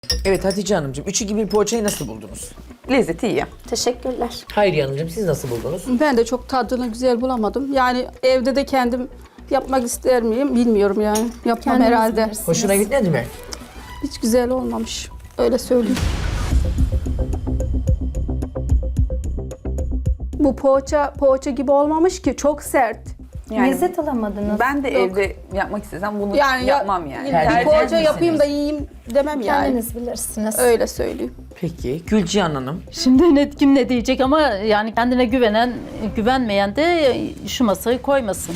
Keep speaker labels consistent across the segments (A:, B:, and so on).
A: Evet Hatice Hanımcığım, 3-2-1 poğaçayı nasıl buldunuz?
B: Lezzeti iyi.
C: Teşekkürler.
A: Hayriye Hanımcığım, siz nasıl buldunuz?
D: Ben de çok tadını güzel bulamadım. Yani evde de kendim yapmak ister miyim bilmiyorum yani. Yapmam
C: Kendiniz
D: herhalde.
C: bilirsiniz.
A: Hoşuna gitmedi mi?
D: Hiç güzel olmamış. Öyle söyleyeyim. Bu poğaça gibi olmamış ki, çok sert.
B: Yani
C: Lezzet alamadınız.
B: ben de evde yapmak istesem bunu
D: Yani
B: yapmam yani.
D: Bir
A: Tercih
D: poğaça
A: misiniz?
D: yapayım da yiyeyim demem yani.
C: Kendiniz bilirsiniz.
D: Öyle söyleyeyim.
A: Peki Gülcihan Hanım,
E: Şimdi kim ne diyecek ama yani kendine güvenmeyen de şu masayı koymasın.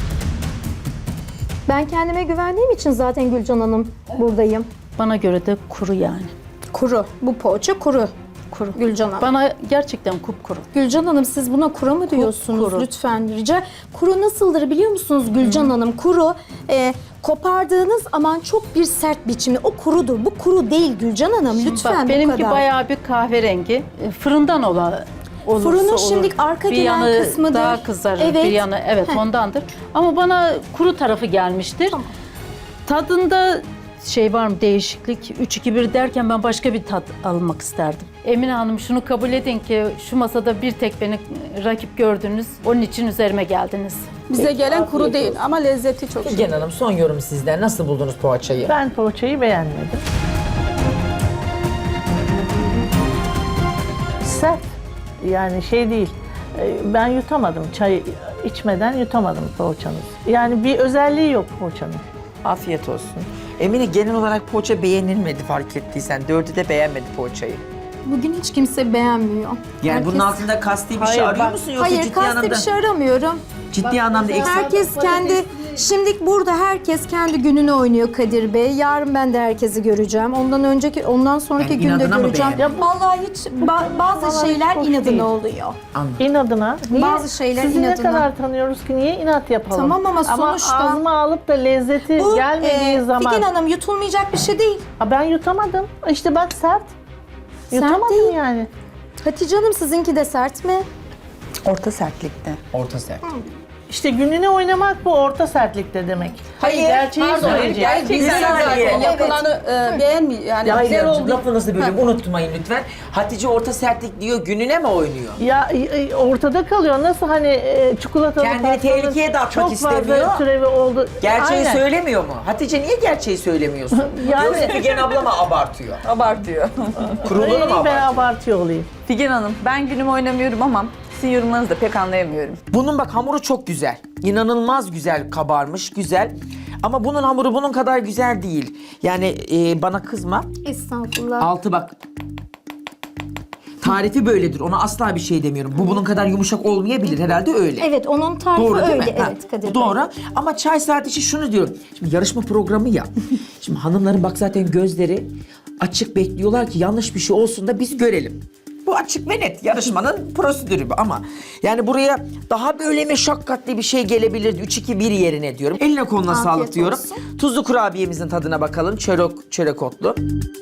C: Ben kendime güvendiğim için zaten Gülcan Hanım buradayım.
E: Bana göre de kuru yani.
D: Kuru. Bu poğaça kuru.
E: Kuru.
D: Gülcan Hanım.
E: Bana gerçekten kupkuru.
C: Gülcan Hanım siz buna kuru mu diyorsunuz?
E: kuru.
C: Lütfen rica. Kuru nasıldır biliyor musunuz Gülcan Hanım? Kuru kopardığınız aman çok bir sert biçimde o kurudur. Bu kuru değil Gülcan Hanım. Lütfen
E: Bak,
C: bu
E: benimki
C: kadar.
E: bayağı bir kahverengi. Fırından olursa
C: Fırının
E: olur.
C: şimdi arka
E: bir
C: gelen
E: yanı
C: kısmıdır.
E: daha kızarır,
C: Evet.
E: bir yanı evet
C: Heh.
E: ondandır. Ama bana kuru tarafı gelmiştir.
C: Tamam.
E: Tadında şey var mı, değişiklik? 3-2-1 derken ben başka bir tat almak isterdim. Emine Hanım, şunu kabul edin ki şu masada bir tek beni rakip gördünüz. Onun için üzerime geldiniz.
D: Bize gelen kuru değil ama lezzeti çok iyi.
A: Gülcihan Hanım son yorum sizden. Nasıl buldunuz poğaçayı?
F: Ben poğaçayı beğenmedim. Sert. Yani şey değil. Ben yutamadım. Çay içmeden yutamadım poğaçanın. Yani bir özelliği yok poğaçanın.
A: Afiyet olsun. Emine, genel olarak poğaça beğenilmedi fark ettiysen. 4'ü de beğenmedi poğaçayı.
C: Bugün hiç kimse beğenmiyor.
A: Yani bunun
C: Herkes-
A: altında kasti bir
F: Hayır,
A: şey arıyor
F: bak-
A: musun yoksa
C: Hayır,
A: ciddi
C: kasti
A: anlamda
C: bir şey aramıyorum.
A: ciddi anlamda eksik?
C: Herkes kendi, şimdi burada herkes kendi gününü oynuyor Kadir Bey. Yarın ben de herkesi göreceğim. Ondan sonraki
A: Yani
C: günde
A: inadına mı
C: göreceğim.
A: beğendin?
C: Vallahi hiç bazı
F: Vallahi
C: şeyler
F: hoş
C: inadına
F: değil.
C: oluyor.
A: Anladım.
F: İnadına. Niye?
C: Bazı şeyler
F: Sizi
C: inadına.
F: ne kadar tanıyoruz ki niye inat yapalım?
C: Tamam ama sonuçta-
F: ağzıma alıp da lezzeti
C: Bu
F: gelmediği zaman.
C: Figen Hanım yutulmayacak bir şey değil.
F: Ben yutamadım. İşte bak sert.
C: Sert
F: Yutamadım
C: değil.
F: yani.
C: Hatice Hanım sizinki de sert mi?
B: Orta sertlikte.
A: Orta sert.
F: İşte gününe oynamak bu orta sertlikte demek.
D: Hayır,
F: gerçeği
D: pardon,
F: söyleyecek.
D: gerçeği
A: Bir
D: zaten
A: saniye.
D: yapılanı beğenmiyor. Yani
A: Ya
D: güzel
A: Hayriyacığım,
D: oldu.
A: lafınızı bölüyorum, unutmayın lütfen. Hatice orta sertlik diyor, gününe mi oynuyor?
F: Ya ortada kalıyor. Nasıl hani çikolatalı
A: Kendini
F: pastanın
A: tehlikeye de atmak
F: çok
A: istemiyor.
F: fazla türevi oldu.
A: Gerçeği
F: Aynen.
A: söylemiyor mu? Hatice niye gerçeği söylemiyorsun?
F: Yani-
A: Yoksa Figen abla mı abartıyor?
B: Abartıyor.
A: Kuruluğunu mu
F: Ben
A: abartıyor?
F: abartıyor olayım.
B: Figen Hanım, ben günümü oynamıyorum ama sizin yorumlarınızı da pek anlayamıyorum.
A: Bunun bak hamuru çok güzel. İnanılmaz güzel kabarmış, güzel. Ama bunun hamuru bunun kadar güzel değil. Yani bana kızma.
C: Estağfurullah.
A: Altı bak. Tarifi böyledir. Ona asla bir şey demiyorum. Bu bunun kadar yumuşak olmayabilir. Herhalde öyle.
C: Evet, onun tarifi
A: Doğru değil
C: öyle.
A: mi? Ha,
C: Evet Kadir
A: bu
C: Bey.
A: doğru. Ama çay saati için şunu diyorum. Şimdi yarışma programı ya. Şimdi hanımların bak zaten gözleri açık, bekliyorlar ki yanlış bir şey olsun da biz görelim. Bu açık ve net. Yarışmanın prosedürü bu ama yani buraya daha böyle meşakkatli bir şey gelebilirdi. 3-2-1 yerine diyorum. Eline koluna
C: Afiyet
A: sağlık diyorum.
C: olsun.
A: Tuzlu kurabiyemizin tadına bakalım. Çörek otlu.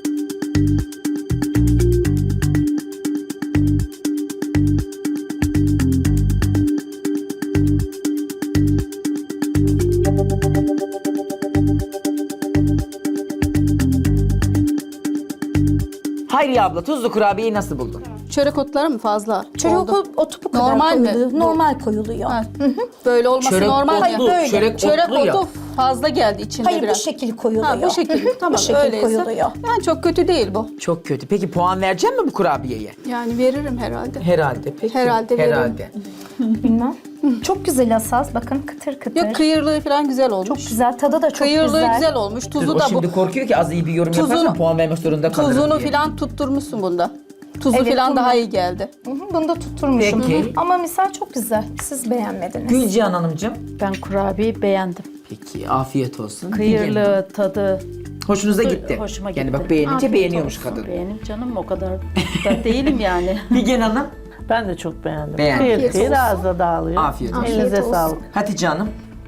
A: Hayriye abla, tuzlu kurabiyeyi nasıl buldun?
D: Çörek otları mı fazla
C: Çörek
D: oldu?
C: otu bu kadar
D: Normal mi?
C: koyuluyor. Normal koyuluyor.
D: Ha, Böyle olması
A: Çörek
D: normal
A: otlu,
D: ya.
C: böyle.
A: çörek otlu ya.
D: otu fazla geldi içinde
C: Hayır
D: biraz.
C: bu şekil koyuluyor.
D: Ha, bu şekil. Tamam,
C: bu şekil
D: öyleyse.
C: koyuluyor.
D: Yani çok kötü değil bu.
A: Çok kötü. Peki puan verecek mi bu kurabiyeye?
D: Yani veririm herhalde.
A: Herhalde. Peki.
D: Herhalde
A: Herhalde.
C: Bilmem. Çok güzel asas. Bakın kıtır kıtır.
D: Yok, kıyırlığı falan güzel olmuş.
C: Çok güzel. Tadı da çok
D: Kıyırlığı
C: güzel.
D: güzel olmuş. Tuzu
A: O
D: da bu.
A: şimdi korkuyor ki az iyi bir yorum
D: Tuzunu-
A: yaparsan puan vermek zorunda kalırım
D: Tuzunu
A: diye.
D: falan tutturmuşsun bunda. Tuzu
C: Evet,
D: falan
C: bunda.
D: daha iyi geldi.
C: Hı hı, bunu da tutturmuşum.
A: Peki.
C: Hı hı. Ama misal çok güzel. Siz beğenmediniz.
A: Gülcihan Hanımcığım.
E: Ben kurabiyeyi beğendim.
A: Peki afiyet olsun.
E: Kıyırlı tadı.
A: Hoşunuza gitti.
E: Hoşuma
A: Yani
E: gitti.
A: bak beğenince
C: Afiyet
A: beğeniyormuş
C: olsun.
A: kadın.
E: Beğenip canım o kadar da değilim yani.
A: Figen Hanım.
F: Ben de çok beğendim.
A: Beğendim.
F: Kıyır
C: Afiyet
F: kıyır
C: olsun.
F: ağza dağılıyor.
A: Afiyet olsun.
F: Elinize
C: Afiyet olsun.
F: sağlık.
A: Hatice Hanım.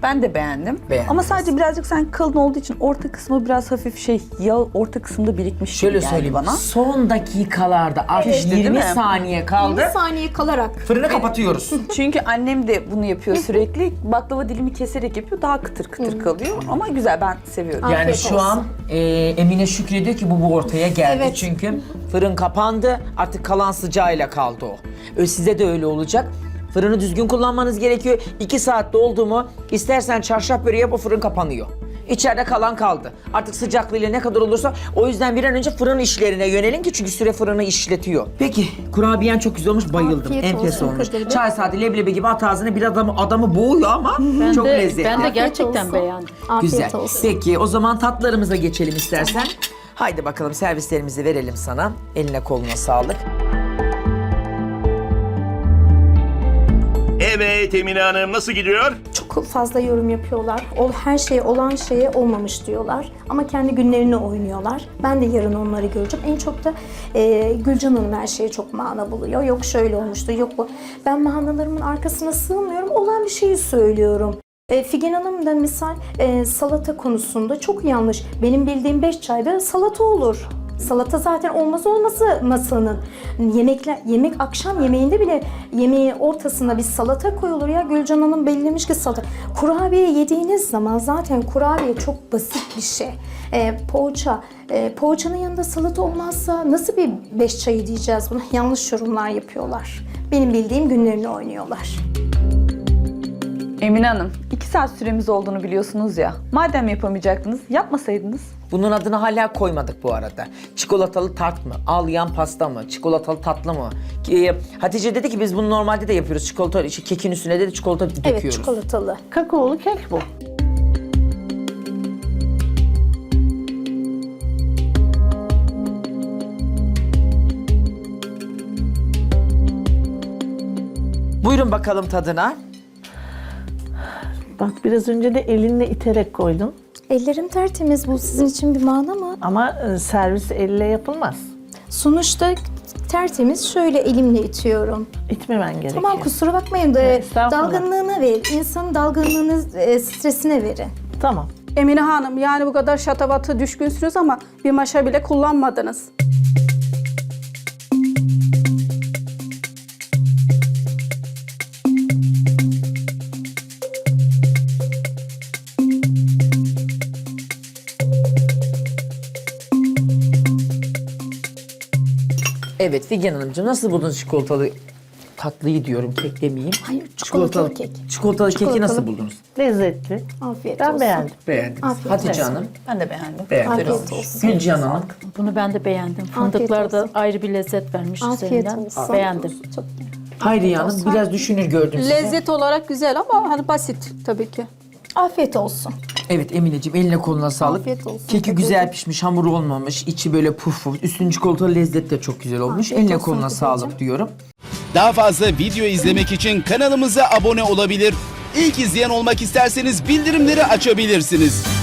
B: Ben de beğendim.
A: Beğendiniz.
B: Ama sadece birazcık sanki kalın olduğu için orta kısmı biraz hafif yağ orta kısmında birikmiş
A: Şöyle
B: gibi geldi
A: söyleyeyim
B: bana.
A: son dakikalarda artık
B: Pişti, değil
A: 20
B: mi?
A: saniye kaldı.
C: 20 saniye kalarak.
A: Fırını kapatıyoruz.
B: Çünkü annem de bunu yapıyor sürekli. Baklava dilimi keserek yapıyor. Daha kıtır kıtır kalıyor. Ama güzel, ben seviyorum.
A: Yani
C: Afiyet
A: şu
C: olsun.
A: an Emine şükrediyor ki bu ortaya geldi.
C: Evet.
A: Çünkü fırın kapandı. Artık kalan sıcağıyla kaldı o. Size de öyle olacak. Fırını düzgün kullanmanız gerekiyor. 2 saatte oldu mu istersen çarşaf böreği yap, o fırın kapanıyor. İçeride kalan kaldı. Artık sıcaklığıyla ne kadar olursa, o yüzden bir an önce fırın işlerine yönelin ki çünkü süre fırını işletiyor. Peki kurabiyen çok güzel olmuş, bayıldım.
C: Afiyet
A: Enfes
C: olsun
A: olmuş.
C: Kadir Bey.
A: Çay saati leblebi gibi at ağzına, bir adamı boğuyor ama çok lezzetli.
E: Ben de
C: Afiyet
E: gerçekten
C: olsun.
E: beğendim.
C: Afiyet
A: Güzel.
C: olsun.
A: Peki o zaman tatlarımıza geçelim istersen. Haydi bakalım, servislerimizi verelim sana. Eline koluna sağlık.
G: Evet Emine Hanım, nasıl gidiyor?
C: Çok fazla yorum yapıyorlar. Her şey olan şeye olmamış diyorlar. Ama kendi günlerini oynuyorlar. Ben de yarın onları göreceğim. En çok da Gülcan Hanım her şeye çok mana buluyor. Yok şöyle olmuştu, yok bu. Ben manalarımın arkasına sığmıyorum. Olan bir şeyi söylüyorum. Figen Hanım da misal salata konusunda çok yanlış. Benim bildiğim 5 çayda salata olur. Salata zaten olmaz olması masanın. Yemek akşam yemeğinde bile yemeğin ortasına bir salata koyulur ya. Gülcan Hanım belirlemiş ki salata. Kurabiye yediğiniz zaman zaten kurabiye çok basit bir şey. Poğaça. Poğaçanın yanında salata olmazsa nasıl bir 5 çayı diyeceğiz buna? Yanlış yorumlar yapıyorlar. Benim bildiğim günlerini oynuyorlar.
B: Emine Hanım, 2 saat süremiz olduğunu biliyorsunuz ya. Madem yapamayacaktınız, yapmasaydınız.
A: Bunun adını hala koymadık bu arada. Çikolatalı tart mı? Ağlayan pasta mı? Çikolatalı tatlı mı? Hatice dedi ki biz bunu normalde de yapıyoruz. Çikolata, kekin üstüne de çikolata döküyoruz.
C: Evet, çikolatalı.
F: Kakaolu kek bu.
A: Buyurun bakalım tadına.
F: Bak biraz önce de elinle iterek koydun.
C: Ellerim tertemiz, bu sizin için bir mana mı?
F: Ama servis elle yapılmaz.
C: Sonuçta tertemiz, şöyle elimle itiyorum.
F: İtmemen gerekiyor.
C: Tamam, kusura bakmayın da
F: Estağfurullah.
C: dalgınlığına ver. İnsanın dalgınlığını, stresine verin.
F: Tamam.
D: Emine Hanım, yani bu kadar şatafatı düşkünsünüz ama bir maşa bile kullanmadınız.
A: Evet Figen Hanımcığım, nasıl buldunuz çikolatalı tatlıyı diyorum, kek demeyeyim.
C: Hayır, çikolatalı kek.
A: Çikolatalı keki
C: Çikolatalı.
A: nasıl buldunuz?
F: Lezzetli.
C: Afiyet
F: Ben
C: olsun.
F: beğendim.
A: Beğendiniz.
C: Afiyet
A: Hatice
C: olsun.
A: Hanım
B: Ben de beğendim.
A: beğendiniz.
C: Afiyet olsun.
A: Gülcan Hanım.
E: Bunu ben de beğendim.
C: Afiyet
E: Fındıklar da
C: olsun.
E: ayrı bir lezzet vermiş
C: Afiyet
E: üzerinden.
C: olsun.
E: Beğendim.
C: Çok
A: Hayriye Hanım biraz düşünür gördüm sizi.
D: Lezzet olarak güzel ama hani basit tabii ki.
C: afiyet olsun.
A: Evet Emineciğim, eline koluna sağlık.
C: Afiyet olsun.
A: Keki
C: Teşekkür
A: güzel
C: ederim.
A: pişmiş, hamur olmamış, içi böyle puf puf. Üstünün çikolatalı lezzet de çok güzel olmuş.
C: Afiyet
A: Eline
C: olsun
A: koluna
C: Hatice'ciğim.
A: sağlık diyorum.
H: Daha fazla video izlemek için kanalımıza abone olabilir. İlk izleyen olmak isterseniz bildirimleri açabilirsiniz.